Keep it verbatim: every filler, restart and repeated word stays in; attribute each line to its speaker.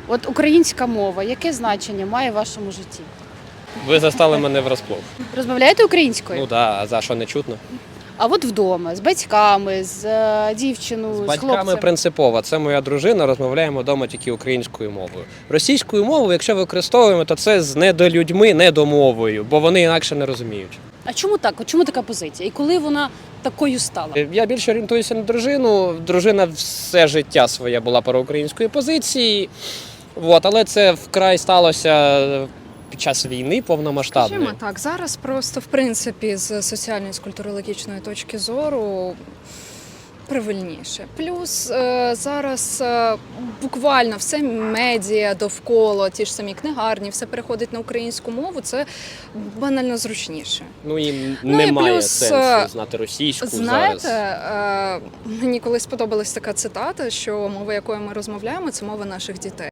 Speaker 1: От українська мова, яке значення має в вашому житті?
Speaker 2: Ви застали мене врасплох.
Speaker 1: Розмовляєте українською?
Speaker 2: Ну так, а за що не чутно?
Speaker 1: А от вдома, з батьками, з е, дівчиною, з,
Speaker 2: З батьками
Speaker 1: хлопцем?
Speaker 2: принципово. Це моя дружина, розмовляємо вдома тільки українською мовою. Російською мовою, якщо використовуємо, то це з недолюдьми, недомовою, бо вони інакше не розуміють.
Speaker 1: А чому так? От чому така позиція? І коли вона такою стала?
Speaker 2: Я більше орієнтуюся на дружину. Дружина все життя своє була проукраїнської позиції, от, але це вкрай сталося під час війни повномасштабної.
Speaker 3: Скажімо так, зараз просто в принципі з соціальної, з культурологічної точки зору правильніше. Плюс е, зараз е, буквально все медіа довкола, ті ж самі книгарні, все переходить на українську мову, це банально зручніше.
Speaker 2: Ну і
Speaker 3: Ну, і
Speaker 2: немає
Speaker 3: плюс,
Speaker 2: сенсу знати російську
Speaker 3: Знаєте,
Speaker 2: зараз.
Speaker 3: е, мені колись сподобалась така цитата, що мова, якою ми розмовляємо, це мова наших дітей.